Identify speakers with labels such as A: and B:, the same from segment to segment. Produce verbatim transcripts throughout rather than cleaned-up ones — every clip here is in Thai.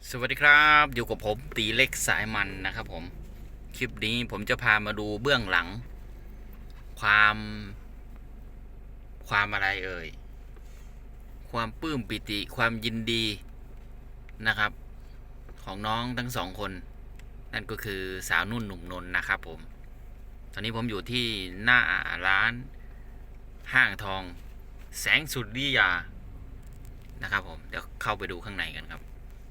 A: สวัสดีครับอยู่กับผมตีเล็กสายมันนะครับผมคลิปนี้ผมจะพามาดูเบื้องหลัง ความความอะไรเอ่ยความปลื้มปิติความยินดีนะครับ ของน้องทั้งสองคน นั่นก็คือสาวนุ่นหนุ่มนนท์นะครับผมตอนนี้ผมอยู่ที่หน้าร้านห้างทองแสงสุริยานะครับผมเดี๋ยวเข้าไปดูข้างในกันครับ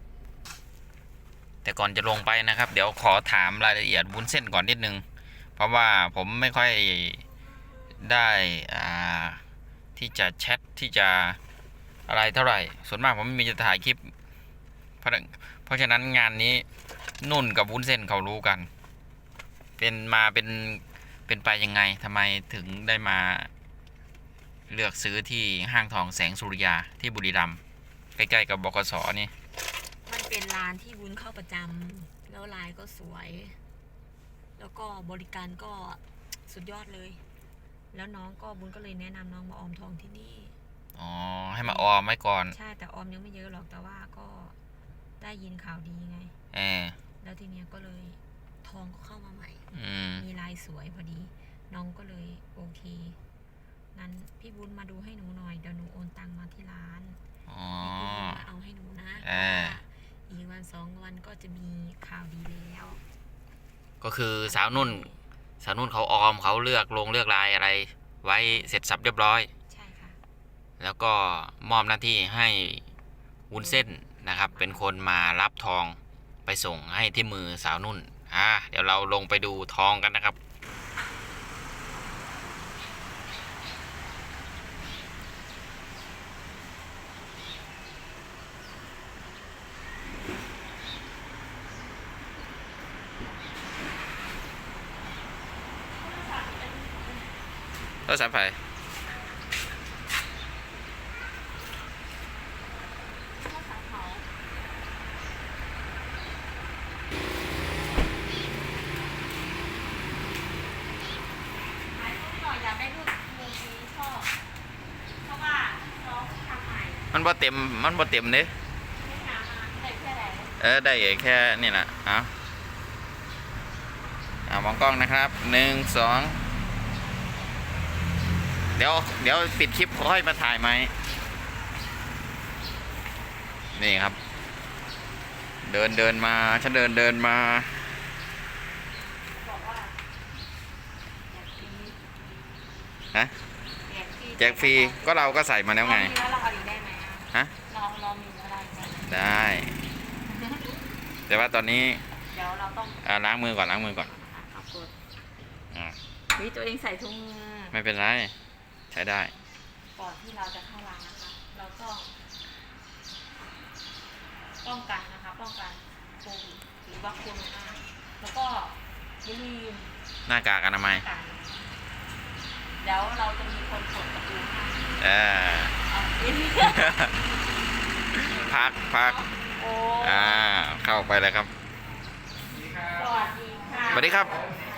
A: แต่ก่อนจะลงไปนะครับเดี๋ยวขอถามรายละเอียดวุ้นเส้นก่อนนิดนึงเพราะว่าผมไม่ค่อยได้ที่จะแชทที่จะอะไรเท่าไหร่ส่วนมากผมไม่มีจะถ่ายคลิปเพราะเพราะฉะนั้นงานนี้นุ่นกับวุ้นเส้นเขารู้กันเป็นมาเป็นเป็นไปยังไงทำไมถึงได้มาเลือกซื้อที่ห้างทองแสงสุริยาที่บุรีรัมย์ใกล้ๆกับบกสนี่
B: มันเป็นร้านที่วุ้นเข้าประจำแล้วลายก็สวยแล้วก็บริการก็สุดยอดเลยแล้วน้องก็วุ้นก็เลยแนะนำน้องมาออมทองที่นี่
A: อ๋อให้มาออมไว้ก่อน
B: ใช่แต่ออมยังไม่เยอะหรอกแต่ว่าก็ได้ยินข่าวดีไง
A: เออ
B: แล้วทีเนี้ยก็เลยทองก็เข้ามาใหม่
A: ม
B: มีลายสวยพอดีน้องก็เลยโอเคนั้นพี่วุ้นมาดูให้หนูหน่อยเดี๋ยวหนูโอนตังมาที่ร้าน
A: อ๋อ
B: มาเอาให้หนูนะอีกวันสองวันก็จะมีข่าวดีแล้ว
A: ก็คือสาวนุ่นสาวนุ่นเขาออมเขาเลือกลงเลือกลายอะไรไว้เสร็จสับเรียบร้อย
B: ใช่ค่ะ
A: แล้วก็มอบหน้าที่ให้วุ้นเส้นนะครับเป็นคนมารับทองไปส่งให้ที่มือสาวนุ่นอ่าเดี๋ยวเราลงไปดูทองกันนะครับโทรศัพท์ไฟมันบ่เต็มมันบ่เต็มเด้เออได้แค่นี่แหละเอาเอามองกล้องนะครับหนึ่งสองเดี๋ยวเดี๋ยวปิดคลิปค่อยมาถ่ายไหมนี่ครับเดินเดินมาฉันเดินเดินมาฮะแจกฟรีก็เราก็ใส่มาแล้วไงฮะได้แต่ว่าตอนนี้
B: เดี๋ยวเราต้อง
A: ล้างมือก่อนล้างมือก่อน
B: วิตัวเองใส่ถุงมือ
A: ไม่เป็นไรใช้ได้
B: ก่อนที่เราจะเข้าร้านนะคะเราต้องป้องกันนะคะป้องกันโควิดหรือว่าโควิดแล้วก็อย่าลืม
A: หน้ากากอนามัย
B: เดี๋ยวเราจะมีคนกดประตูให้
A: เออพักพักอ่าเข้าไปเลยครับ
B: สวัสดีค่ะ
A: สวัสดีครับ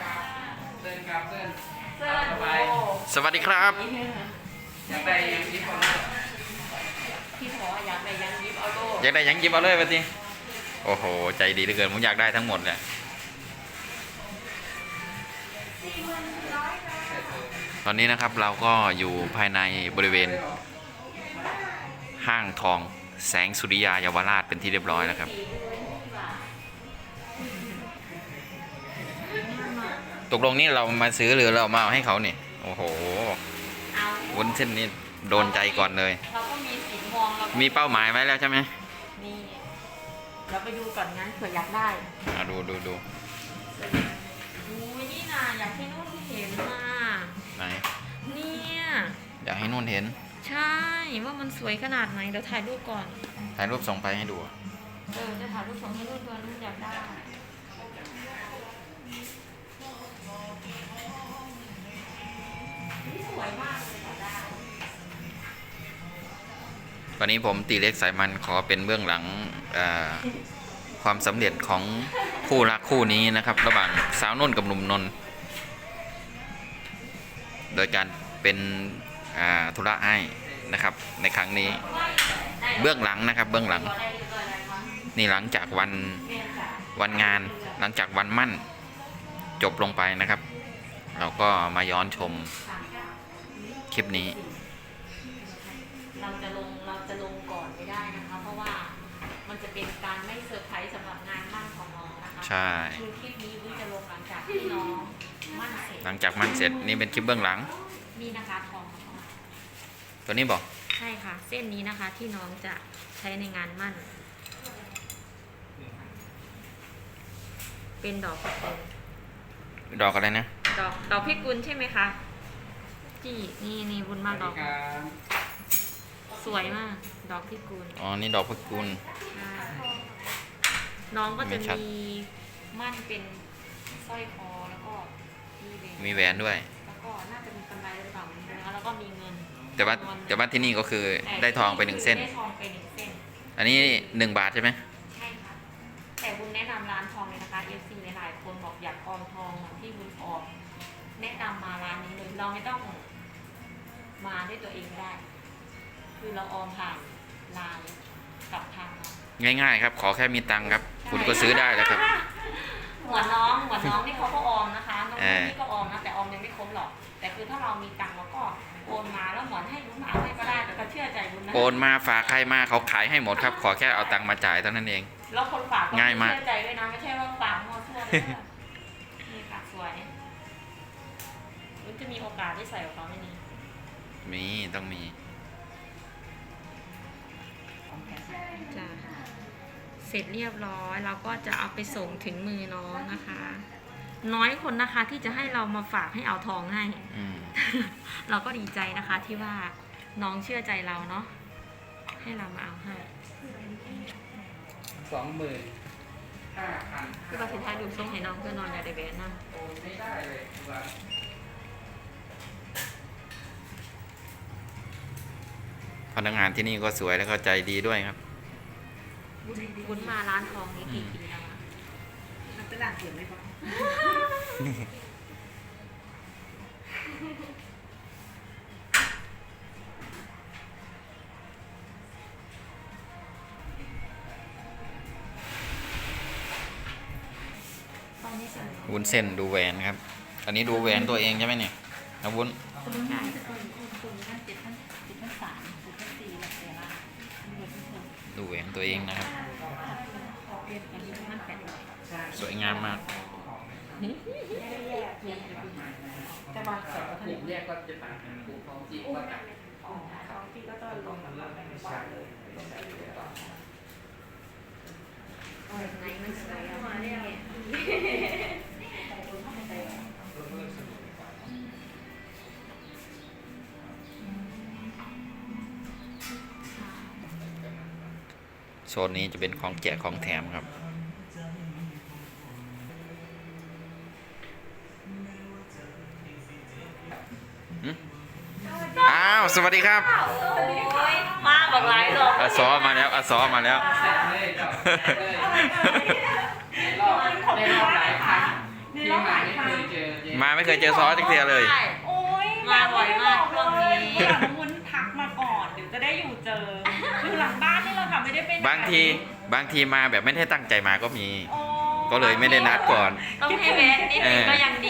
A: สวัสดีครับ
B: อยากได้ยังยิบเอาเลยพี่ขออยากได้ยังยิบเอาโล
A: อยากได้ยังยิบเอาเลยไปสิโอ้โหใจดีเหลือเกินผมอยากได้ทั้งหมดเลยตอนนี้นะครับเราก็อยู่ภายในบริเวณห้างทองแสงสุริยาเยาวราชเป็นที่เรียบร้อยแล้วครับตกลงนี่เรามาซื้อหรือเรามาเอาให้เขาเนี่ยโอ้โหวุ้นเส้นนี่โดนใจก่อนเลย
B: เราก็มีสีมองเรา
A: มีเป้าหมายไว้แล้วใช่ไหม
B: มีเราไปดูก่อนงั้นเผื่ออยากได้
A: อ่ะดูดูดู
B: ดูนี่นะอยากให้นุ่นเห็นมา
A: ไหน
B: เนี่ย
A: อยากให้นุ่นเห็น
B: ใช่ว่ามันสวยขนาดไหนเดี๋ยวถ่ายรูปก่อน
A: ถ่ายรูปส่งไปให้ดู
B: เออจะถ่ายรูปส่งให้นุ่นด้วยนุ่นอยากได้
A: วันนี้ผมตีเล็กสายมันขอเป็นเบื้องหลังความสำเร็จของคู่รักคู่นี้นะครับระหว่างสาวนุ่นกับหนุ่มนนท์โดยการเป็นธุระให้นะครับในครั้งนี้เบื้องหลังนะครับเบื้องหลังนี่หลังจากวันวันงานหลังจากวันมั่นจบลงไปนะครับ เราก็มาย้อนชมคลิปนี้
B: เราจะลงเราจะลงก่อนไม่ได้นะคะ เพราะว่ามันจะเป็นการไม่เซอร์ไพรส์สำหรับงานมั่นของน้องนะคะ
A: ใช่
B: คือคลิปนี้วุ้นจะลงหลังจากที่น้องมั่นเสร็จ
A: หลังจากมั่นเสร็จนี่เป็นคลิปเบื้องหลัง
B: นี่นะคะทองของน้อง
A: ตัวนี้บอก
B: ใช่ค่ะ เส้นนี้นะคะที่น้องจะใช้ในงานมั่น เป็นดอกพิกุล
A: ดอกอะไรนะ
B: ดอกดอกพิกุลใช่ไหมคะจี้นี่นี่บุญมากดอก สวยมาก ดอกพิกุล
A: อ๋อ นี่ดอกพระกุล
B: ใช่น้องก็
A: ไม่
B: จะ
A: ชัด
B: มีมั่นเป็นสร้อยคอแล้วก็มีแหวน
A: มีแหวนด้วย
B: แล้วก็น่าจะมีกำไรหรือเปล่าไม่รู้นะคะแล้วก็มีเงิน
A: แต่ว่า
B: จำนวน
A: แต่ว่าที่นี่ก็คือได้ทองไปหนึ่งเส้น
B: ได้ทองไปหนึ่งเส้น
A: อันนี้หนึ่งบาทใช่ไหม
B: ใช่ค่ะ แต่บุญแนะนำร้านทองเลยนะคะ เอฟ ซี หลายๆคนบอกอยากออมทองเหมือนที่บุญออมแนะนำมาร้านนี้เลย เราไม่ต้องมาด้วยตัวเองก็ได้ คือเราออมผ่านไลน์กับทางเรา
A: ง่ายๆครับ ขอแค่มีตังค์ครับ คุณก็ซื้อได้แล้วครับ
B: เหมือนน้องเหมือนน้องนี่เขาก็ออมนะคะ น้อง
A: เออ
B: นี่ก็ออมนะ แต่ออมยังไม่ครบหรอก แต่คือถ้าเรามีตังค์เราก็โอนมาแล้วเหมือนให้บุญมาให้ก็ได้ แต่ก็เชื่อใจบุญนะ
A: โอนมาฝากใครมาเขาขายให้หมดครับ ขอแค่เอาตังค์มาจ่ายเท่านั้นเอง
B: แล้วคนฝากก็
A: ง่ายมาก
B: เชื่อใจด้วยนะ ไม่ใช่ว่าฝากมั่วซั่วเลยนะ นี่ค่ะสวยมันจะมีโอกาสได้ใส่กับเขาไหมนี่
A: มีต้องมี
B: จ้ะเสร็จเรียบร้อยเราก็จะเอาไปส่งถึงมือน้องนะคะ น้อยคนนะคะที่จะให้เรามาฝากให้เอาทองให้
A: อืม
B: เราก็ดีใจนะคะที่ว่าน้องเชื่อใจเราเนาะให้เรามาเอาให้
C: สองหมื่นห้าพัน
B: คือเราสุดท้ายดูส่งให้น้องเพื่อนอนอย่าได้แบนนะ
C: โอนไม่ได้เลยตัว
A: พนักงานที่นี่ก็สวยแล้วก็ใจดีด้วยครับ
B: บุญมาร้านทองนี้กี่ปีแล้วอะ
D: มันเป็นหลักเสียงไหมครับ
B: ตอนนี้สวย
A: วุ้นเส้นดูแหวนครับ อันนี้ดูแหวนตัวเองใช่ไหมเนี่ยนะวุ้น
D: คุณง่ายคุณคุณท่านเจ็ดท่านเจ็ดท่านสามเจ็ดท่านสี่หลักเสียละเงินทุกคน
A: ดูแหวนตัวเองนะครับ
D: เรียนกันที่ท่านแปดร้อย
A: สวยงามมาก
D: จะมาสอน
C: ถ้าผมเรียกก็จะต่างกันผูกทองจีก็ต่าง
D: ท้องที่ก็ต้องลงมาเป็นบาทเลยลงได้เลยต่อ
B: แบบไหนมันสวยอะเนี่ย
A: โซนนี้จะเป็นของแจกของแถมครับ หึอ้าว สวัสดีครับ
B: โอ้ยมาบอกหลายดอก
A: อาซอมาแล้วอาซอมาแล้ว
C: แซ่บเลยเจ้าแซ่บเลยในรอบในรอบหลายครั้งที่มาไม่เคยเจอเจ๊
A: มาไม่เคยเจอซอจักเทียเลย
D: โอ้ย
B: มาบ่อยมากช่วงนี้
D: วุ้นทักมาก่อนเดี๋ยวจะได้อยู่เจออยู่หลังบ้านนี่แหละค่ะไม่ได้ไปไหน
A: บางทีบางทีมาแบบไม่ได้ตั้งใจมาก็มี
D: โอ้
A: ก็เลยไม่ได้นัดก่อน
B: ต้องให้แวะนิดนึงก็ยังดี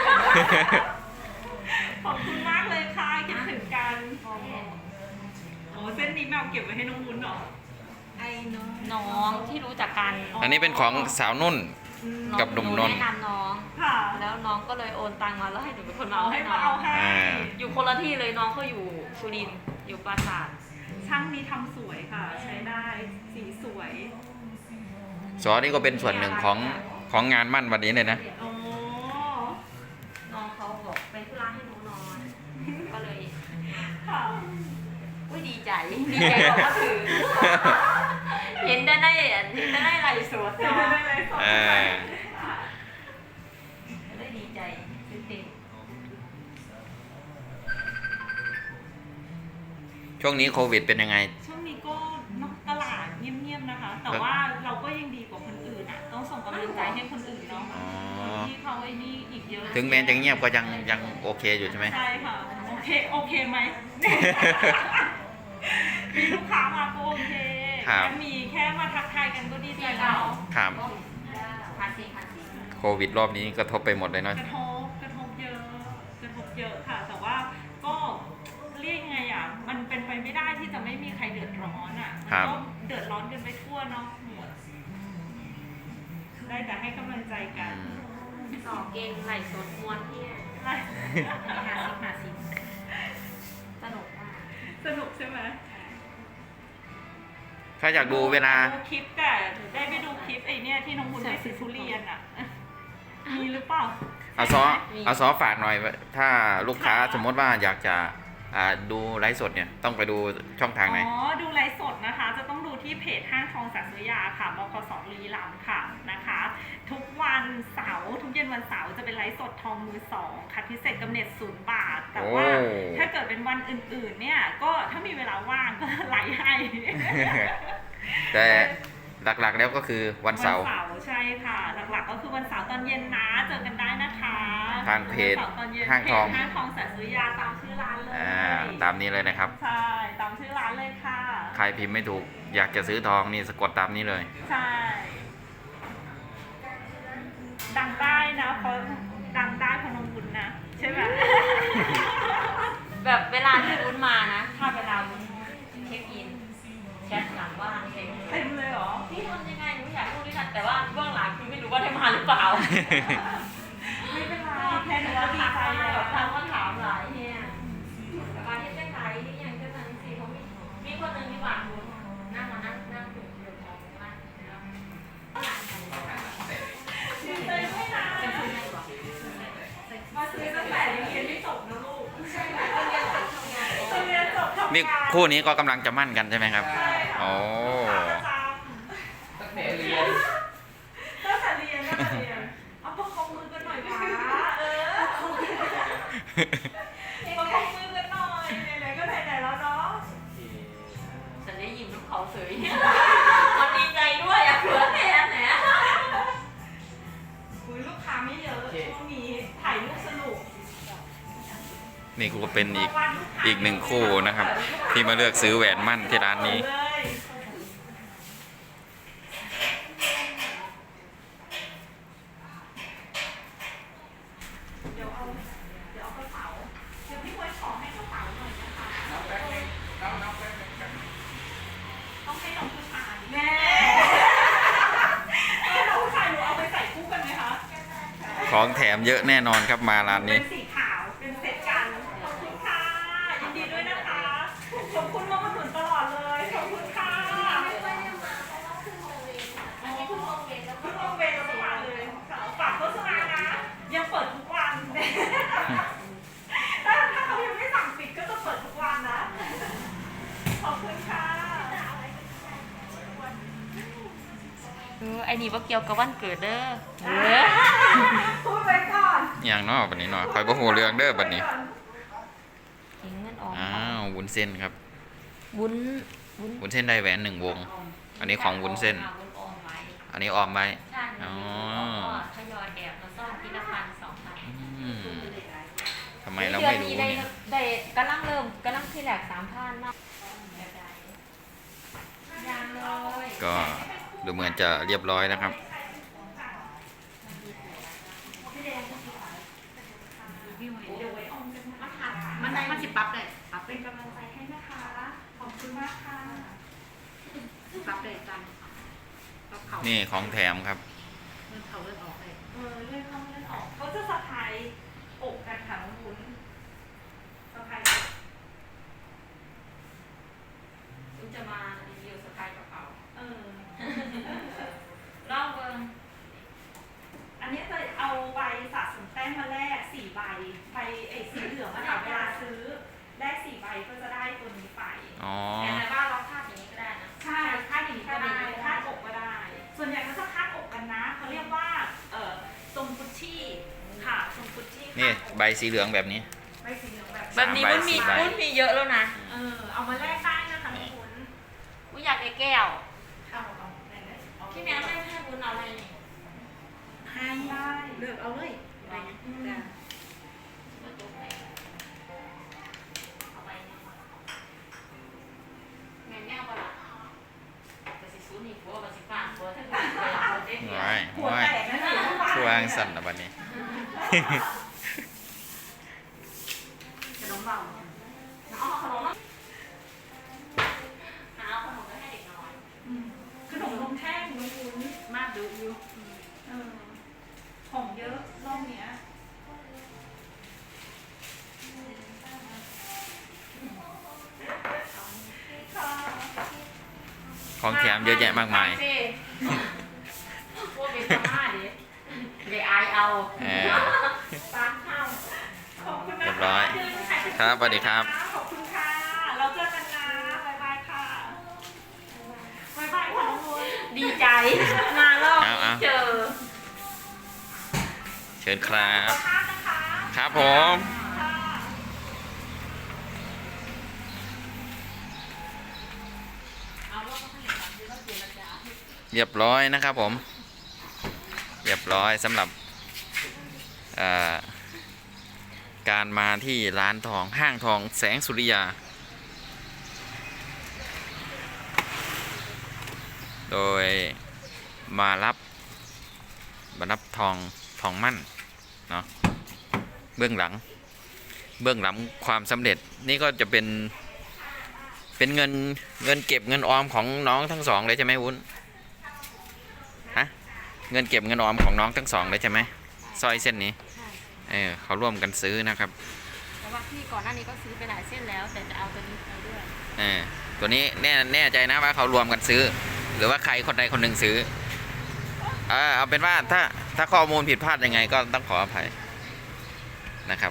D: ขอบคุณมากเลยค่ะคิดถึงกันโอ้เส้นนี้แมวเก็บไว้ให้น้องวุ้นเหรอไอ้น้อง
B: น้องที่รู้จักกัน
A: อันนี้เป็นของสาวนุ่น กับหนุ่มนนท์
B: แนะนำน้อง
D: ค่ะ
B: แล้วน้องก็เลยโอนตังมาแล้วให้หนูเป็นคนมาเอา
D: เอาให้
B: ให้
D: มา
B: น้อ
D: เอา
B: ง
D: ให้
A: อ่า
B: อยู่คนละที่เลยน้องเขาอยู่สุรินทร์อยู่ปราสาท
D: ช่างนี้ทำสวยค่ะ ใช้ได้สีสวย
A: ซอนี่ก็เป็นส่วนหนึ่งของของงานมั่นวันนี้เลยนะ
D: โอ้
B: น้องเขาบอกเป็นธุระให้หนูนอน ก็เลย
D: ค่ะ
B: อุ้ยดีใจดีใจกว่าเขาถือ เห็นได้ได้เห็นได้ได้ไรสด
D: เดี๋ยว
B: เนาะ
D: ได้เลยสอง
A: เออ
B: ได้ดีใจตื่นเต้น
A: ช่วงนี้โควิดเป็นยังไง
D: ช่วงนี้ก็นอกตลาดเงียบๆนะคะ แต่ว่าเราก็ยังดีกว่าคนอื่นอ่ะ ต้องส่งกำลังใจให้คนอื่นเนาะ
A: อ๋อ
D: ที่เขาไอ้นี่อีกเยอะ
A: ถึงแม้จะเงียบก็ยังยังโอเคอยู่ใช่ไหม
D: ใช่ค่ะ โอเค โอเคไหม มีลูกค้ามาก็โอเค
A: ครับ
D: แค่มีแค่มาทักทายกันก็ดีใจแล้ว
A: ครับ
B: ภาษีภาษี
A: โควิดรอบนี้กระทบไปหมดเลยเนาะ
D: กระทบกระทบเยอะกระทบเยอะค่ะ แต่ว่าก็เรียกยังไงอ่ะมันเป็นไปไม่ได้ที่จะไม่มีใครเดือดร้อนอ่ะมันก็เดือดร้อนกันไปทั่วเนาะหมดได้แต่ให้กำลังใจกัน
B: สองเกงไหลสดม้วนที่หาสิหาสิสนุกมาก
D: สนุกใช่ไหม
A: ถ้าอยากดูเวลา
D: ดูคลิปแต่ได้ไปดูคลิปไอ้เนี่ยที่น้องบุญไปซื้อทุเรียนอ่ะมีหรือเปล่า
A: เอาซอเอาซอฝากหน่อย ถ้าลูกค้าสมมติว่าอยากจะอ่าดูไลฟ์สดเนี่ยต้องไปดูช่องทางไหน
D: อ๋อ ดูไลฟ์สดนะคะ จะต้องดูที่เพจห้างทองสัตยาค่ะบคสบุรีรัมย์ค่ะนะคะ ทุกวันเสาร์ทุกเย็นวันเสาร์จะเป็นไลฟ์สดทองมือสองคัดพิเศษกำเนิดศูนย์บาท แต่ว่า
A: โอ้
D: ถ้าเกิดเป็นวันอื่นๆ เนี่ยก็ถ้ามีเวลาว่างก็ไลฟ์ให้
A: แต่หลักๆแล้วก็คือวันเสาร์
D: วันเสาร์ใช่ค่ะ หลักๆก็คือวันเสาร์ตอนเย็นนะเจอกันได้นะคะ
A: ทางเพจ
D: วันสร์ตอนเย็น
A: ห้างทอง
D: เพจห้างทองสัตยาตามชื่อร้านเลย
A: อ่าตามนี้เลยนะครับ
D: ใช่ตามชื่อร้านเลยค่ะ
A: ใครพิมพ์ไม่ถูกอยากจะซื้อทองนี่สะกดตามนี้เลย
D: ใช่ ดังได้นะเพราะดังได้เพราะน้องบุญนะใช่ไหม
B: แบบเวลาที่วุ้นมานะ ถ้าเวลาวุ้นเช็คอินแชทหลังว่างเช็ค
D: เต็มเลยเหรอ
B: พี่ทำยังไงหนูอยากรู้ด้วยกันแต่ว่าเบื้องหลังคือไม่รู้ว่าได้มาหรือเปล่า
D: ไม่เป็นไรแค่หนูก็ดีใจแล้ว
B: ทำก็ถามหลายเนี่ยมาที่ได้ขายที่ยังจะทันสิเขามีมีคนหนึ่งที่หวานวุ้นนั่งมานั่งนั่งถึงเดือดร้อนมาก
D: ดีใจไม่นาน
B: เป็นคนไหนบอก
D: มาซื้อตั้งแต่ยังเรียนไม่จบนะลูก
B: ใช่ไหมคนเรียนจบทำงาน
D: ตอนเรียนจบทำงาน
A: นี่คู่นี้ก็กำลังจะมั่นกันใช่ไหมครับ
D: ใช่ค่ะ
A: โอ้
D: ประจ
C: ตั้งแต่เรียน
D: ำตั้งแต่เรียนตั้งแต่เรียนเอาประคองมือกันหน่อยวะเออประคองมือกันหน่อยไหนๆก็ไหนๆแล้วเนาะ
B: ฉันได้ยินทุกเขาเสยมันดีใจด้วยอ่ะเผื่อแทนแหน
D: อุ๊ยลูกค้าไม่เยอะช่วงนี้ถ่ายรูปสนุก
A: นี่ก็เป็นอีกอีกหนึ่งคู่นะครับ ที่มาเลือกซื้อแหวนมั่นที่ร้านนี้
D: เลย เดี๋ยวเอา เดี๋ยวเอากระเป๋า เดี๋ยวพี่ไว้ขอให้กระเป๋าหน่อยนะคะ
C: น้องแป๊บนึงน้องน้องแป๊บนึงแป๊บนึง
D: ต้องให้น้องผู้ชายแม่ให้น้องผู้ชายหนูเอาไปใส่คู่กันไหมคะ
A: ของแถมเยอะแน่นอนครับมาร้าน
D: เป็
A: นี้
D: นสีขาว เป็นเซตกัน ขอบคุณค่ะ ยินดีด้วยนะคะ ขอบคุณมามาหนุนตลอดเลย ขอบคุณค่ะอ๋อเพิ่งลงเวรแล้วเพิ่งลงเวรแล้วก็มาเลยค่ะฝากโฆษณานะ ยังเปิดทุกวัน ถ้าถ้าเขายังไม่สั่งปิดก็จะเปิดทุกวันนะ ขอบคุณค่ะ
B: เออไอ้นี่ว่าเกี่ยวกับวันเกิดเด้อเออ
D: พูดไว้ก่อน
A: อย่างเนอกบัดนี้เนาะคอยบ่ฮู้เรื่องเด้อบัดนี้
B: เห็นเงินออก
A: อ้าววุ้นเส้นครับ
B: วุ้นวุ้น
A: วุ้นเส้นได้แหวนหนึ่งวง อันนี้ของวุ้นเส้น
B: วุ้นออมไว้
A: อันนี้ออมไว้
B: ใช่
A: อ๋อ
B: ก็ทยอยแอบมาซ่อนทีละพันสองพัน
A: อืมทำไมเราไม่รู้
B: ได้
A: เนี่ย
B: ได้กำลังเริ่มกำลังที่แหลกสามพันมากยังเลย
A: ก็ดูเหมือนจะเรียบร้อยนะครับ
B: มันมันสิปรับเลยปรับ
D: เป็นกำลังใจให้นะคะ ขอบคุณมากค่ะ
B: ปรับเลยจันปรับเขา
A: นี่ของแถมครับ
B: เงินเขาเลื่อนออกเลย
D: เออเลื่อนเข้าเลื่อนออก เขาจะสะพายอกกันค่ะน้องวุ้นสะพายอก
B: คุณจะมารีวิวสไตล์กระเป๋า
D: เออ
B: เล่าเบิ้ง
D: อันนี้จะเอาใบสะสมแต้มมาแลกสี่ใบใบไอ้สีเหลืองอะค่ะเวลาซื้อแลกสี่ใบก็จะได้ตัวนี้ไป
A: อ๋อ
B: แต่ในบ้านเราคาดอย่างนี้ก็ได้นะ
D: ใช่คาดอย่างนี้ก็ได้คาดอกก็ได้ ส่วนใหญ่เขาจะคาดอกกันนะเขาเรียกว่าเอ่อทรงกุชชี่ค่ะทรงกุชชี่
A: นี่
D: คาดอก
A: ใบสีเหลืองแบบนี้
D: ใบสีเหลืองแบบ
B: แบบนี้มันมี
A: สามใบ
B: มันมีเยอะแล้วนะ
D: เออเอามาแลกได้นะคะทุกคน
B: กูอยากได้แก้ว
D: เอาเอาไหนเลยเอา
B: พี่แมวให้ให้บุญเอาอะไรนี่
D: ให้ได้เลือกเอาเลย
B: ไป
D: อืม
B: มาจุกไปเอาไปเนี่ยแมวแมวปะล่ะ
A: ว้ายว้ายช่วงสั่นนะบัดนี้
B: ขนมเบาเอาขนมเอาขนมไปให้เด็กน้อย
D: ขนมนมแท่งนมวุ้น
B: มากดูอยู่
D: เออของเยอะรอบเนี้ยค่ะ
A: ของแถมเยอะแยะมากมาย
B: พวกเป็นสมาดิเดี๋ยวอายเอา
A: เออ
B: ตามเข้า
D: ขอบคุณนะ
A: เรียบร้อย
D: เจอกันค่ะ
A: ครับสวัสดีครับ
D: ขอบคุณค่ะ เราเจอกันนะบ๊ายบายค่ะบ๊ายบายค่ะน้องวุ้น
B: ดีใจมารอบ
A: เอาเอา
B: เจอ
A: เชิญครับ
D: ขอบคุณนะคะ
A: ครับผม
D: ค่ะ
B: เอาว่าเขาให้แบบนี้ว่าเจรจา
A: เรียบร้อยนะครับผม เรียบร้อยสำหรับเอ่อการมาที่ร้านทองห้างทองแสงสุริยา โดยมารับมารับทองทองมั่นเนาะเบื้องหลัง เบื้องหลังความสำเร็จนี่ก็จะเป็นเป็นเงินเงินเก็บเงินออมของน้องทั้งสองเลยใช่ไหมวุ้นฮะเงินเก็บเงินออมของน้องทั้งสองเลยใช่ไหมสร้อยเส้นนี้
B: ใช่
A: เออเขาร่วมกันซื้อนะครับ
B: แต่ว่าพี่ก่อนหน้านี้ก็ซื้อไปหลายเส้นแล้ว แต่จะเอาตัวนี้ไปด้วย
A: เออตัวนี้แน่แน่ใจนะว่าเขารวมกันซื้อ หรือว่าใครคนใดคนหนึ่งซื้อเออเอาเป็นว่าถ้าถ้าข้อมูลผิดพลาดยังไงก็ต้องขออภัยนะครับ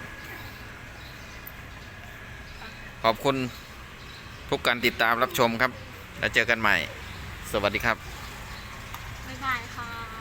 A: ขอบคุณทุกการติดตามรับชมครับ แล้วเจอกันใหม่ สวัสดีครับ
B: บ๊ายบายค่ะ